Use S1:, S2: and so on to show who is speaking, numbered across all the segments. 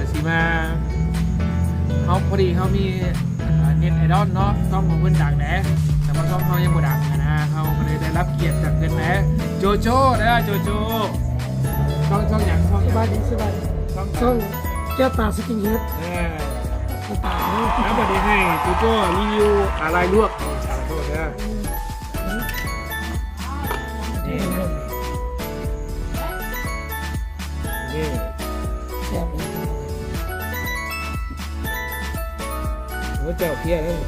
S1: สีมาเขาพอดีเขามีเน็ตไอดอลเนาะช่องของเพื่อนดังแหนะแต่ว่าช่องเขายังบ่ดังนะเขาก็เลยได้รับเกียรติจากเพื่อนแหนะโจโจ้นะโจโจ้ช่องอย่างช่อง
S2: สบายดีสบายดีช่องแก้วตาสกินเฮดตา
S1: แล้ววันนี้ให้โจโจ้รีวิวอะไรลวกชาโต้นะนี่นี่
S2: แซ่บเลย
S1: หัวเจ้าเพี้ยนั่น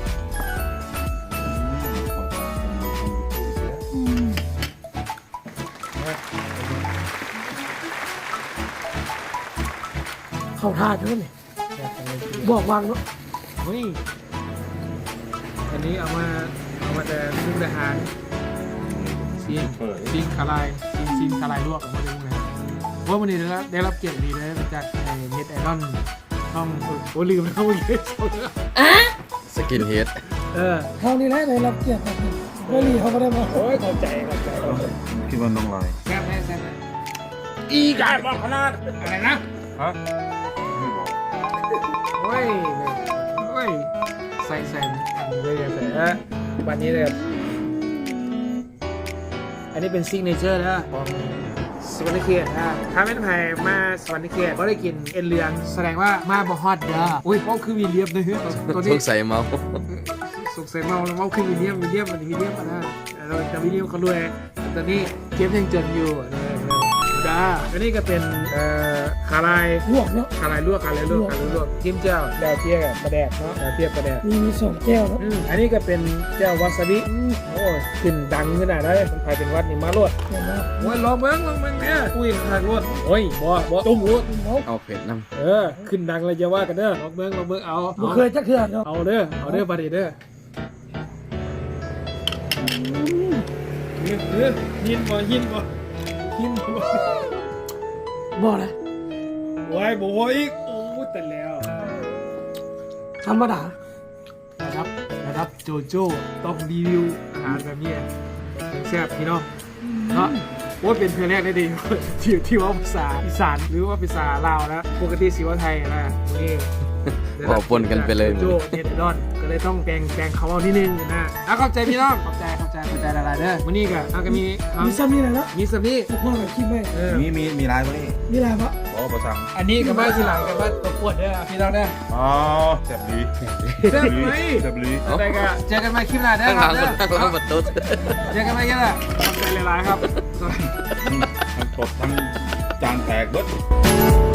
S2: เข้าท่าจังเลยบอกวางเนาะ
S1: เฮ้ยอันนี้เอามาแต่มุกดาหารซีนคาลายซีนคาลายลวกออกมาดูนะว่าวันนี้ได้รับเกียรติดีนะจากเน็ตไอดอลช่องโอ้ลืมแล้วเมื่อกี้
S3: สกินเฮด
S2: เท่านี้แหละได้รับเกียรติแบบนี้ไม่รีเขาก็ได้มา
S1: โอ้ยเข้าใจ
S4: คิดว่าน้องลอย
S1: แซ่บแซ่บอีกายบอกขนาดอะไรนะ
S4: ฮะไม่บอก
S1: โอ้ยใส่อันนี้เลยใส่วันนี้เลยอันนี้เป็นซิกเนเจอร์นะของสวรรค์เขตนะถ้าไม่ไผ่มาสวรรค์เขตก็ได้กินเอ็นเลืองแสดงว่ามาบ่ฮอตเด้ออุ้ยเพราะคือมีเลียบเลยตัว
S3: ส
S1: นี้
S3: งสัยเมา
S1: สงสัยเมาแล้วเมาคือมีเลียบมันมีเลียบมาได้เราจะมีเลียบเขาด้วยตอนนี้เกมยังจนอยู่ดาอันนี้ก็เป็นคาลาย
S2: ลวกเนาะ
S1: คาลายลวกจิ้มเจ้าดาวเทียบปลาแดกเนาะดาวเทียบปลาแดก
S2: มีสองแก้วเนาะ
S1: อันนี้ก็เป็นเจ้าวาซาบิโอ้ยขึ้นดังขนาดนั้นมันไปเป็นวัดนี่มาลวด
S2: เห็นไหม
S1: โอ้ยลองเมืองเนี่ยคุยทางลวดโอ้ยบ่จุ่มลวด
S3: เอาเผ็ดน้
S1: ขึ้นดังเลยจะว่ากันเด้อลองเมืองเอา
S2: บ่เคยจักเทื่อเนาะ
S1: เอาเด้อบัดนี้เด้อหินบ่
S2: บอกเลย
S1: โอ้ยบ่อีกโอ้แต่แล้ว
S2: ธรรมดา
S1: นะครับโจโจ้ต้องรีวิวอาหารแบบนี้แซ่บพี่น้องเนาะว่าเป็นเพื่อนแรกได้ดี ที่ว่าภาษาอีสานหรือว่าภาษาลาวนะปกติสิว่าไทยนะนี่
S3: ำบอกปนกันไปเลย
S1: โจเน็ตดอนก็เลยต้องแปลงเขาเอานิดนึงนะเข้าใจพี่น้องเข้าใจหลายๆเด้อวันนี้ก็มี
S2: มีซ้ำนี่แหละเนาะ
S1: มีสมี
S2: พ่อกับคิดไม่
S4: มีลายตัวนี้
S2: มีอะไรปะ
S4: ขอประชัง
S1: อันนี้กับบ้านทีหลังกับบ้านตัวปวดเด้อพี่น้องเด้อ
S4: อ๋อแซ่บดี
S1: แซ่บไหม
S4: แซ่บดี
S1: แต่ก็เจอกันใหม่คลิปหน้าเด้อ
S3: ข้าง
S1: ค
S3: ห
S1: รั
S3: ลั
S1: บ
S3: ง
S1: เด้อ
S3: ข้างหลังประตู
S1: เจอกันใหม่กันละขอบใจหลายๆครับ
S4: ทั้งตดทั้งจานแตกเบิด